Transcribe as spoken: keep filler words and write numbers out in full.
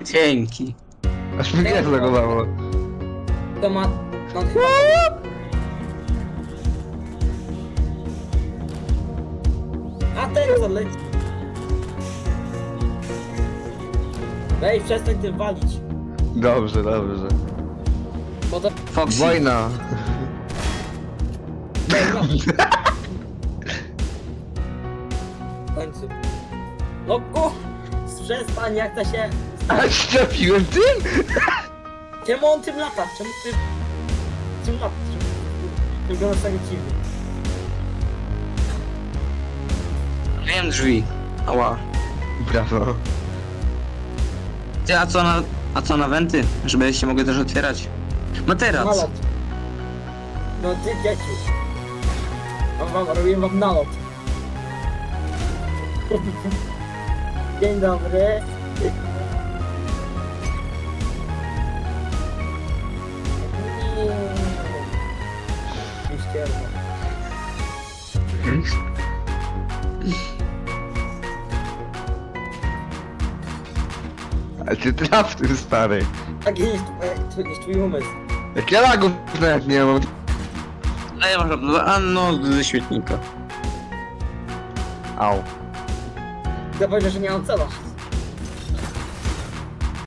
Dzięki. Aż mi grę zlagowało. To ma... No chyba... A ten co leci? Weź, przestań tym walić. Dobrze, dobrze. Bo to... Foxy. Wojna. W końcu. No ku... Przestań, jak to się... A trafiłem tym? Czemu on tym lata? Czemu ty... Czemu lata? Czemu... Wyglądasz tak dziwnie. Wiem drzwi. Ała. Brawo. Ty, a co na... A co na wenty? Żeby się mogły też otwierać. Materac. Nalot. No ty dzieci. Mam wam, robię wam nalot. Dzień dobry. Ścierwo. Ale ty traf tym stary. Tak jest twój, jest twój umysł. Jak ja lagów nawet nie mam. A ja mam... A no, ze świetnika. Au. Zapomnę, że nie mam cela.